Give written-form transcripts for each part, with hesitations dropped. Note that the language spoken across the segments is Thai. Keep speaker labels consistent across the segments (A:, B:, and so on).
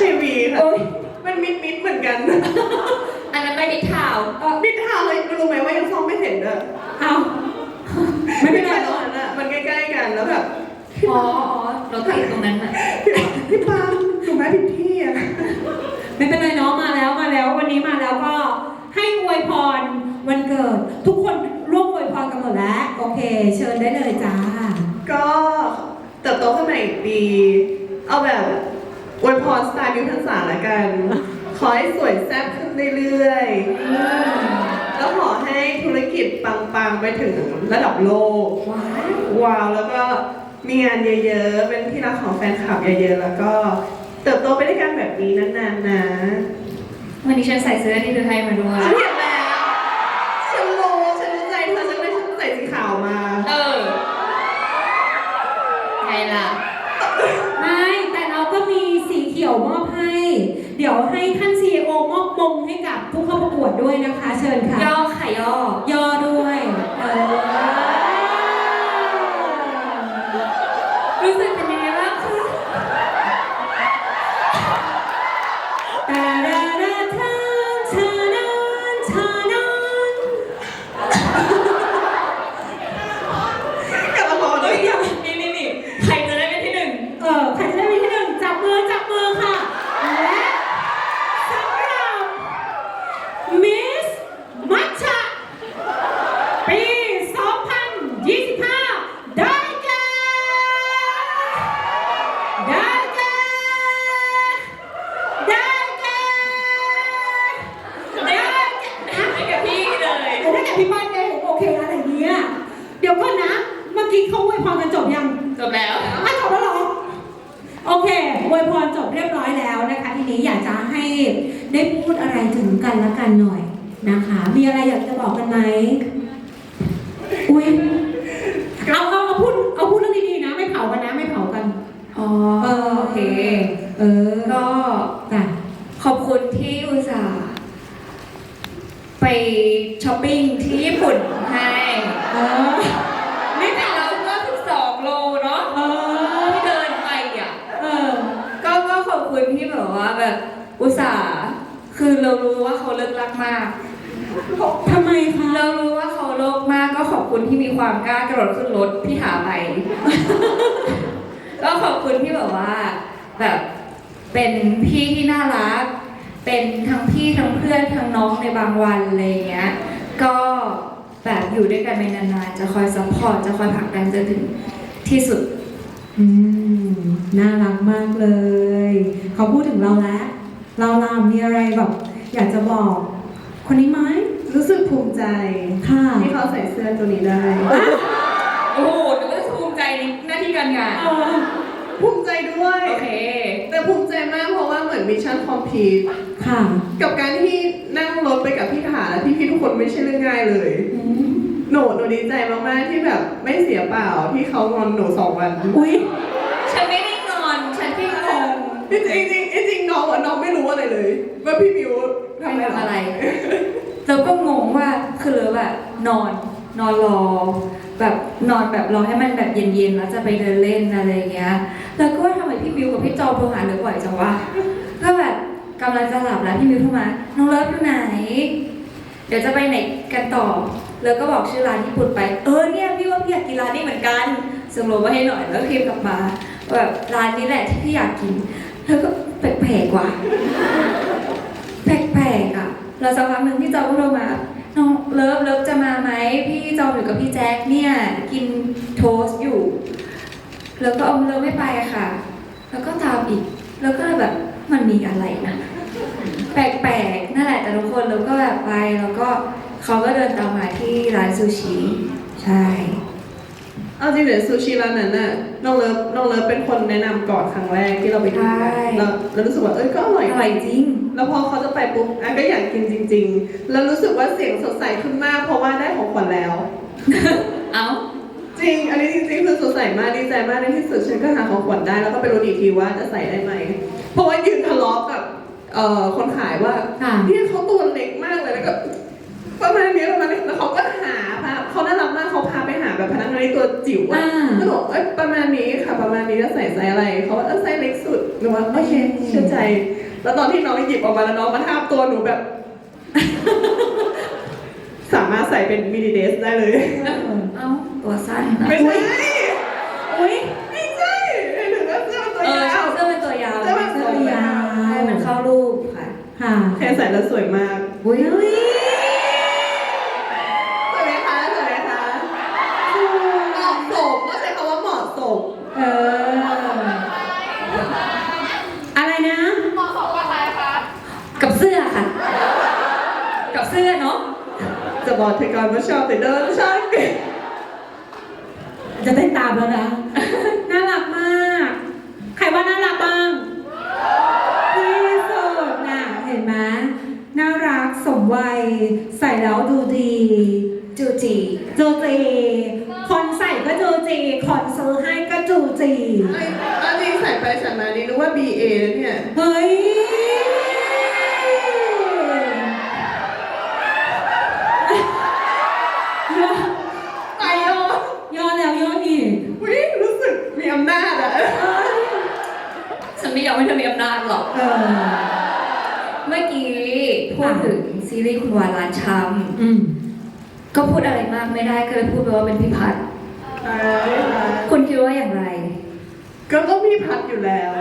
A: ทีวีค่ะ
B: โอ้ย
A: มันมิดเหมือนกัน
C: อันนั้นไม่มิดข่าว
A: มิดทางเลยรู้ไหมว่ายังซ้อมไม่เสร็จเลย
B: เอาไม่เป็นไร
A: ตอนนั้นอะมันใกล้ๆกันแล้วแบบ
C: อ๋อรถติดตรงนั้นอ่ะ
A: พี่ปามถูกไหมผิดที่อะ
B: ไม่เป็นไรเนาะมาแล้ววันนี้มาแล้วก็ให้อวยพรวันเกิด ทุกคนร่วมอวยพรกันหมดแล้วโอเค เชิญได้เลยจ้า
A: ก็เติบโตขึ้นมาอีกปี เอาแบบอวยพรสไตล์มิวทันสาละกัน ขอให้สวยแซ่บขึ้นเรื่อยๆ แล้วขอให้ธุรกิจปังๆ ไปถึงระดับโลก ว้าว แล้วก็มีงานเยอะๆ เป็นที่รักของแฟนคลับเยอะๆ แล้วก็เติบโตไปด้วยกันแบบนี้นานๆ นะ
C: วันนี้ฉันใส่เสื้อที่เธอให้มาด้วย
A: ฉันเห็นแล้ว ฉันรู้ใจเธอฉันเลยฉันใส่สีขาวมา
C: ไงล่ะ
B: ไม่แต่เราก็มีสีเขียวมอบให้ เดี๋ยวให้ท่าน CEO มอบมงให้กับผู้เข้าประกวดด้วยนะคะ เชิญค่ะ
C: ย่อค่ะย่อ
B: ย่อด้วย
C: รู้สึกเป็นยังไงบ้างคะ
B: ตาดาดาทานชานานชานาน
A: กลับมาพอเล
C: เฮ้
A: ย
C: ยนี่ใครจะได้เป็นที่หนึ่ง
B: ใครจะได้เป็นที่หนึ่งจับมือค่ะ และสำหรับมิสมัชชะปี2025 ได้แก่
C: ให้กับพี่เลย
B: ได้แก่พี่ป้ายเองโอเคอะไรเนี่ยเดี๋ยวก่อนนะ เมื่อกี้เขาอวยพรกันจบยัง
C: จบแล้ว
B: จบแล้วเหรอ โอเคอวยพรจบเรียบร้อยแล้วนะคะ ทีนี้อยากจะให้ได้พูดอะไรถึงกันและกันหน่อยนะคะ มีอะไรอยากจะบอกกันไหมอุ้ยเอาพูดเรื่องดีๆนะ ไม่เผากันนะ ไม่เผากัน
C: อ๋อ
B: โอเค
C: ก็
B: จ้ะ
C: ขอบคุณที่อุตส่าห์ไปช้อปปิ้งที่ญี่ปุ่นให้
B: เออ
C: ไม่แต่เราก็12 โลเนาะ ที่เดินไปอ่ะ ก็ขอบคุณที่แบบว่าแบบอุตส่าห์คือเรารู้ว่าเขาเลิกรักมาก
B: ทำไมคะ
C: เรารู้ว่าเขาโลภมากก็ขอบคุณที่มีความกล้ากระโดดขึ้นรถพี่ถาไป ก็ขอบคุณที่แบบว่าแบบเป็นพี่ที่น่ารัก เป็นทั้งพี่ทั้งเพื่อนทั้งน้องในบางวันอะไรอย่างเงี้ย ก็แบบอยู่ด้วยกันไปนานๆจะคอยซัพพอร์ตจะคอยผลักดันจนถึงที่สุด
B: น่ารักมากเลย เขาพูดถึงเราแล้ว เรามีอะไรแบบอยากจะบอก คนนี้ไหม
A: รู้สึกภูมิใจ
B: ค่ะ
A: ที่เขาใส่เสื้อตัวนี้ได้
C: โอ้โหนึกว่าภูมิใจในหน้าที่การงาน
A: ภูมิใจด้วย
C: โอเค
A: แต่ภูมิใจมากเพราะว่าเหมือนมิชชั่นคอมพลีท
B: ค่ะ
A: กับการที่นั่งรถไปกับพี่ถาและพี่ทุกคนไม่ใช่เรื่องง่ายเลย หนูดีใจมากๆที่แบบไม่เสียเปล่าที่เขางอนหนู2 วัน
B: อุ๊ย
C: ฉันไม่ได้งอน ฉันแค่งง
A: จริงน้องไม่รู้อะไรเลยว่าพี่มิวทำ
C: ทำ
A: อะ
C: อะไร ไรเราก็งงว่าคือเลยแบบนอนรอ แบบนอนแบบรอให้มันแบบเย็นๆแล้วจะไปเดินเล่นอะไรอย่างเงี้ย แล้วก็ว่าทำไมพี่มิวกับพี่จอมโทรหาเหลือบ่อยจังวะก็แบบกำลังจะหลับแล้วพี่มิวโทรมา น้องเลิฟอยู่ไหน เดี๋ยวจะไปไหนกันต่อ แล้วก็บอกชื่อร้านญี่ปุ่นไป เนี่ยพี่ว่าพี่อยากกินร้านนี้เหมือนกันส่งโลมาให้หน่อยแล้วพิมพ์กลับมาแบบร้านนี้แหละที่พี่อยากกิน แล้วก็แปลกๆว่ะ แปลกๆอ่ะแล้วสักพักหนึ่งพี่จอมก็โทรมาน้องเลิฟจะมาไหมพี่จอมอยู่กับพี่แจ็คเนี่ยกินโทสต์อยู่ แล้วก็เลิฟไม่ไปอะค่ะ แล้วก็ตามอีก แล้วก็แบบมันมีอะไรนะแปลกๆนั่นแหละแต่ทุกคนเราก็แบบไปแล้วก็เขาก็เดินตามมาที่ร้านซูชิใช่
A: เอาจริงเดี๋ยวซูชิร้านนั้นน่ะน้องเลิฟเป็นคนแนะนำก่อนครั้งแรกที่เราไปกินกันแล้วรู้สึกว่าก็อร่อย
C: อร่อยจริง
A: แล้วพอเขาจะไปปุ๊บก็อยากกินจริง ๆ แล้วรู้สึกว่าเสียงสดใสขึ้นมากเพราะว่าได้ของขวัญแล้ว
C: เอ้า
A: จริง อันนี้จริงๆคือสดใสมากดีใจมากในที่สุดฉันก็หาของขวัญได้แล้วก็ไปรู้อีกทีว่าจะใส่ได้ไหมเพราะว่ายืนทะเลาะกับคนขายว่าเนี่ยเขาตัวเล็กมากเลยแล้วก็ประมาณนี้แล้วเขาก็หาเขาน่ารักมากเขาพาไปหาแบบพนักงานในตัวจิ๋วอะ
B: อ่า
A: ก็บอกเอ้ยประมาณนี้ค่ะประมาณนี้จะใส่ไซส์อะไรเขาว่าไซส์เล็กสุดหนูว่าโอเคเชื่อใจ แล้วตอนที่น้องหยิบออกมาแล้วน้องมาทาบตัวหนูแบบ สามารถใส่เป็นมินิเดรสได้เลย
C: เอ้าตัวสั้นนะ
A: ไม่ใช่
B: อุ้ย
A: ไม่ใช่หนูว่าเสื้อตัว
C: เออย
A: าว
C: เสื้อเป็นตัวยาว
A: เสื้อเป็นตัวยาว
C: ให้มันเข้ารูปค่ะ
B: ค่ะ
A: แค่ใส่แล้วสวยมาก
C: อุ้ย
B: อุ้ย
A: สวยไหมคะสวยไหมคะเหมาะสมก็ใช้คำว่าเหมาะสม
B: เอออะไรนะ
C: กับเสื้อค่ะ กับเสื้อเนาะ
A: จะบอกเธอก่อนว่าชอบแต่เดินชอบเก่ง
B: จะเต้นตามแล้วนะ น่ารักมาก ใครว่าน่ารักบ้างที่สุดน่ะ เห็นไหมน่ารักสมวัย ใส่แล้วดูดี
C: จูจี
B: จูจีคนใส่ก็จูจีคนซื้อให้ก็จูจี
A: ไอ้อันนี้ใส่ไปใส่มานี่รู้ว่า BA แล้วเนี่ย
B: เฮ้ย ย้อน
A: ไปโอ
B: ย้อนแล้วย้อนอีก
A: วิ่งรู้สึกมีอำนาจอะ
C: ฉันไม่ยอมให้เธอมีอำนาจหรอก
B: เออ
C: เมื่อกี้พูดถึงซีรีส์คุณวาลานช้
B: อืม
C: ำก็พูดอะไรมากไม่ได้ก็เลยพูดไปว่าเป็นพี่พัด คุณคิดว่าอย่างไร
A: ก็ต้องมีพัดอยู่แล้ว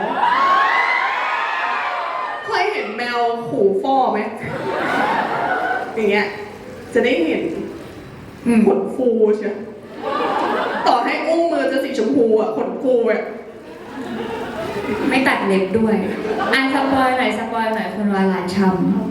A: เคยเห็นแมวขู่ฟ่อไหมอย่างเงี้ยจะได้เห็น ขนฟูใช่ต่อให้อุ้งมือจะสีชมพูอ่ะขนฟูอ่ะ
C: ไม่ตัดเล็บด้วยสปอยหน่อยคุณวาลานช้ำ